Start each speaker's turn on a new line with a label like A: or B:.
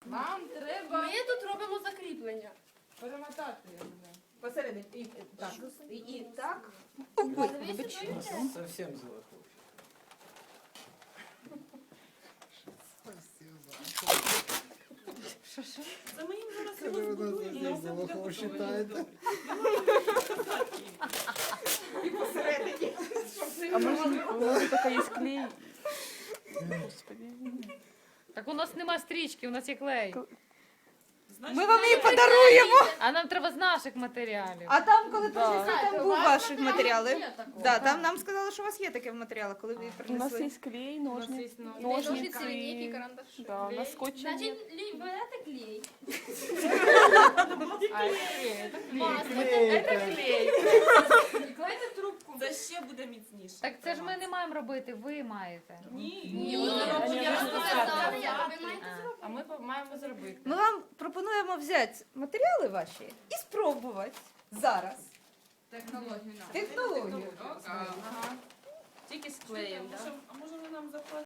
A: Нам треба
B: Ми тут робимо закріплення.
A: перемотати. Я не знаю.
C: Посередині. І так. І так.
D: Совсем золотой.
A: Це ми їм зараз
E: Коли
A: його
E: вона
A: збудуємо,
E: за
A: і все буде
E: Золохов
A: готово.
E: считаєте?
C: І посередині.
F: А может, у нас только есть клей? Господи.
G: Так у нас нема стрічки, у нас є клей.
A: Значить,
C: Ми вам її подаруємо.
G: А нам треба з наших матеріалів.
C: А там, коли
F: Да.
C: прийшли, там був ваші матеріали. Да, там нам сказали, що у вас є таке в матеріалах, коли ви
F: У нас
C: принесли.
F: есть клей,
A: у нас є
F: ножницы.
B: Ножниці, лінійки, карандаші.
F: Да, на скотче
B: Значить,
F: нет.
B: берете клей.
G: А, клей, це клей.
B: Масло.
G: Це клей.
A: І клейте трубку. Це ще буде міцніше.
G: Так це ж ми не маємо робити, ви маєте.
A: Ні,
B: Ні,
A: вони
B: я
A: роблять
B: розказала,
A: результати.
B: ви маєте зробити.
A: А ми маємо зробити.
C: Ми вам пропонуємо взяти матеріали ваші і спробувати зараз.
A: Технологію нам.
C: Технологію.
A: Ага. Тільки з клеєм, так? А може ви нам заплатите?